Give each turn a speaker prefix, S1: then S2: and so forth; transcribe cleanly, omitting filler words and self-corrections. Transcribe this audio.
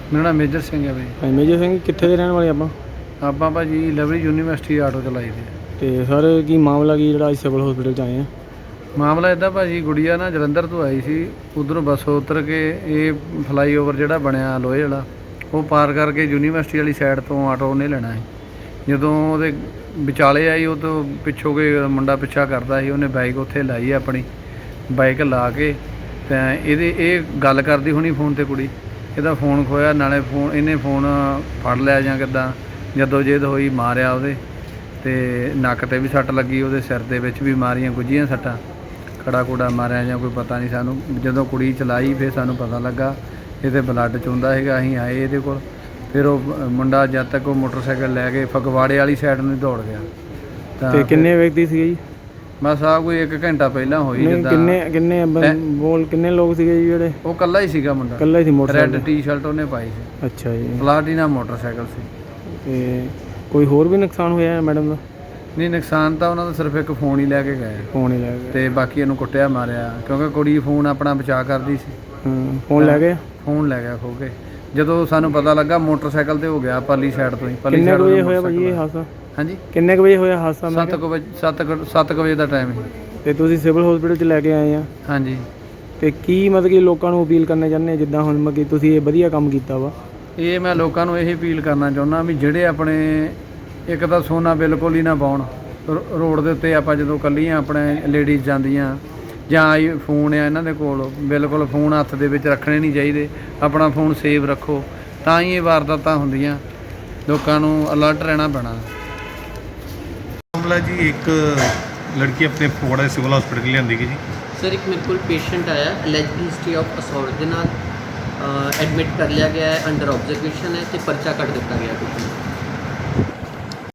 S1: ਮੇਰਾ ਨਾਮ ਮੇਜਰ ਸਿੰਘ ਹੈ ਬਈ।
S2: ਮੇਜਰ ਸਿੰਘ ਕਿੱਥੇ ਦੇ ਰਹਿਣ ਵਾਲੇ
S1: ਆਪਾਂ ਭਾਜੀ ਲਵਲੀ ਯੂਨੀਵਰਸਿਟੀ ਆਟੋ ਚਲਾਈ ਦੇ।
S2: ਤੇ ਸਰ ਕੀ ਮਾਮਲਾ ਕੀ ਜਿਹੜਾ ਅੱਜ ਸਿਵਲ ਹਸਪੀਟਲ 'ਚ ਆਏ ਆ?
S1: ਮਾਮਲਾ ਇੱਦਾਂ ਭਾਜੀ, ਗੁੜੀਆ ਨਾ ਜਲੰਧਰ ਤੋਂ ਆਈ ਸੀ, ਉੱਧਰੋਂ ਬੱਸ ਉਤਰ ਕੇ ਇਹ ਫਲਾਈਓਵਰ ਜਿਹੜਾ ਬਣਿਆ ਲੋਹੇ ਵਾਲਾ ਉਹ ਪਾਰ ਕਰਕੇ ਯੂਨੀਵਰਸਿਟੀ ਵਾਲੀ ਸਾਈਡ ਤੋਂ ਆਟੋ ਉਹਨੇ ਲੈਣਾ ਸੀ। ਜਦੋਂ ਉਹਦੇ ਵਿਚਾਲੇ ਆਈ ਉਹ ਤੋਂ ਪਿੱਛੋਂ ਕੋਈ ਮੁੰਡਾ ਪਿੱਛਾ ਕਰਦਾ ਸੀ, ਉਹਨੇ ਬਾਈਕ ਉੱਥੇ ਲਾਈ ਆਪਣੀ ਬਾਈਕ ਲਾ ਕੇ ਤਾਂ ਇਹ ਗੱਲ ਕਰਦੀ ਹੋਣੀ ਫੋਨ 'ਤੇ ਕੁੜੀ, ਇਹਦਾ ਫੋਨ ਖੋਇਆ, ਨਾਲੇ ਇਹਨੇ ਫੋਨ ਫੜ ਲਿਆ ਜਾਂ ਕਿੱਦਾਂ, ਜਦੋਂ ਜੇਦ ਹੋਈ ਮਾਰਿਆ ਉਹਦੇ ਤੇ ਨੱਕ 'ਤੇ ਵੀ ਸੱਟ ਲੱਗੀ, ਉਹਦੇ ਸਿਰ ਦੇ ਵਿੱਚ ਵੀ ਮਾਰੀਆਂ ਗੁੱਝੀਆਂ ਸੱਟਾਂ, ਖੜਾ ਖੂੜਾ ਮਾਰਿਆ ਜਾਂ ਕੋਈ ਪਤਾ ਨਹੀਂ ਸਾਨੂੰ। ਜਦੋਂ ਕੁੜੀ ਚਲਾਈ ਫਿਰ ਸਾਨੂੰ ਪਤਾ ਲੱਗਾ ਇਹਦੇ ਬਲੱਡ ਚੁੰਦਾ ਹੈਗਾ। ਅਸੀਂ ਆਏ ਇਹਦੇ ਕੋਲ, ਫਿਰ ਉਹ ਮੁੰਡਾ ਜਦ ਤੱਕ ਉਹ ਮੋਟਰਸਾਈਕਲ ਲੈ ਕੇ ਫਗਵਾੜੇ ਵਾਲੀ ਸਾਈਡ ਨੂੰ ਦੌੜ ਗਿਆ।
S2: ਤੇ ਕਿੰਨੇ ਵਿਅਕਤੀ ਸੀਗੇ ਜੀ?
S1: ਬਸ ਆ ਕੋਈ 1 ਘੰਟਾ ਪਹਿਲਾਂ ਹੋਈ। ਜਿੱਦਾਂ
S2: ਕਿੰਨੇ ਲੋਕ ਸੀਗੇ ਜੀ ਜਿਹੜੇ?
S1: ਉਹ ਇਕੱਲਾ ਹੀ ਸੀਗਾ ਮੁੰਡਾ,
S2: ਇਕੱਲਾ ਹੀ ਸੀ। ਮੋਟਰਸਾਈਕਲ
S1: ਰੈੱਡ ਟੀ-ਸ਼ਰਟ ਉਹਨੇ ਪਾਈ ਸੀ।
S2: ਅੱਛਾ ਜੀ।
S1: ਪਲਾਟੀਨਾ ਮੋਟਰਸਾਈਕਲ ਸੀ।
S2: ਤੇ ਕੋਈ ਹੋਰ ਵੀ ਨੁਕਸਾਨ ਹੋਇਆ ਮੈਡਮ ਦਾ?
S1: ਨਹੀਂ, ਨੁਕਸਾਨ ਤਾਂ ਉਹਨਾਂ ਦਾ ਸਿਰਫ ਇੱਕ ਫੋਨ ਹੀ ਲੈ ਕੇ ਗਏ।
S2: ਫੋਨ ਹੀ ਲੈ ਗਏ
S1: ਤੇ ਬਾਕੀ ਇਹਨੂੰ ਕੁੱਟਿਆ ਮਾਰਿਆ, ਕਿਉਂਕਿ ਕੁੜੀ ਫੋਨ ਆਪਣਾ ਬਚਾ ਕਰਦੀ ਸੀ।
S2: ਫੋਨ ਲੈ ਗਏ?
S1: ਫੋਨ ਲੈ ਗਿਆ ਖੋ ਕੇ। ਜਦੋਂ ਸਾਨੂੰ ਪਤਾ ਲੱਗਾ ਮੋਟਰਸਾਈਕਲ ਤੇ ਹੋ ਗਿਆ ਪਰਲੀ ਸਾਈਡ ਤੋਂ ਹੀ।
S2: ਕਿੰਨੇ ਵਜੇ ਹੋਇਆ ਭਾਜੀ ਇਹ ਹਾਦਸਾ?
S1: ਹਾਂਜੀ,
S2: ਕਿੰਨੇ ਕੁ ਵਜੇ ਹੋਇਆ ਹਾਦਸਾ?
S1: 7 ਵਜੇ ਦਾ ਟਾਈਮ ਸੀ।
S2: ਤੇ ਤੁਸੀਂ ਸਿਵਲ ਹਸਪੀਟਲ 'ਚ ਲੈ ਕੇ ਆਏ ਆ?
S1: ਹਾਂਜੀ।
S2: ਤੇ ਕੀ ਮਤਲਬ ਕਿ ਲੋਕਾਂ ਨੂੰ ਅਪੀਲ ਕਰਨਾ ਚਾਹੁੰਦੇ ਜਿੱਦਾਂ ਹੁਣ ਮਤਲਬ ਕਿ ਤੁਸੀਂ ਇਹ ਵਧੀਆ ਕੰਮ ਕੀਤਾ ਵਾ?
S1: ਇਹ ਮੈਂ ਲੋਕਾਂ ਨੂੰ ਇਹ ਅਪੀਲ ਕਰਨਾ ਚਾਹੁੰਦਾ ਵੀ ਜਿਹੜੇ ਆਪਣੇ ਇੱਕ ਤਾਂ ਸੋਨਾ ਬਿਲਕੁਲ ਹੀ ਨਾ ਪਾਉਣ ਰੋਡ ਦੇ ਉੱਤੇ। ਆਪਾਂ ਜਦੋਂ ਇਕੱਲੀਆਂ ਆਪਣੇ ਲੇਡੀਜ਼ ਜਾਂਦੀਆਂ ਜਾਂ ਫੋਨ ਆ ਇਹਨਾਂ ਦੇ ਕੋਲ, ਬਿਲਕੁਲ ਫੋਨ ਹੱਥ ਦੇ ਵਿੱਚ ਰੱਖਣੇ ਨਹੀਂ ਚਾਹੀਦੇ। ਆਪਣਾ ਫੋਨ ਸੇਵ ਰੱਖੋ, ਤਾਂ ਹੀ ਇਹ ਵਾਰਦਾਤਾਂ ਹੁੰਦੀਆਂ। ਲੋਕਾਂ ਨੂੰ ਅਲਰਟ ਰਹਿਣਾ ਪੈਣਾ।
S3: ਮਾਮਲਾ ਜੀ, ਇੱਕ ਲੜਕੀ ਆਪਣੇ ਫਗਵਾੜਾ ਦੇ ਸਿਵਲ ਹਸਪੀਟਲ ਲਿਆਂਦੀ ਗਈ ਜੀ।
S4: ਸਰ ਇੱਕ ਮੇਰੇ ਕੋਲ ਪੇਸ਼ੈਂਟ ਆਇਆ, ਅਲੈਜਡ ਹਿਸਟਰੀ ਆਫ ਅਸੌਲਟ ਦੇ ਨਾਲ ਐਡਮਿਟ ਕਰ ਲਿਆ ਗਿਆ ਹੈ, ਅੰਡਰ ਆਬਜ਼ਰਵੇਸ਼ਨ ਹੈ ਤੇ ਪਰਚਾ ਕੱਟ ਦਿੱਤਾ ਗਿਆ ਕੁਝ।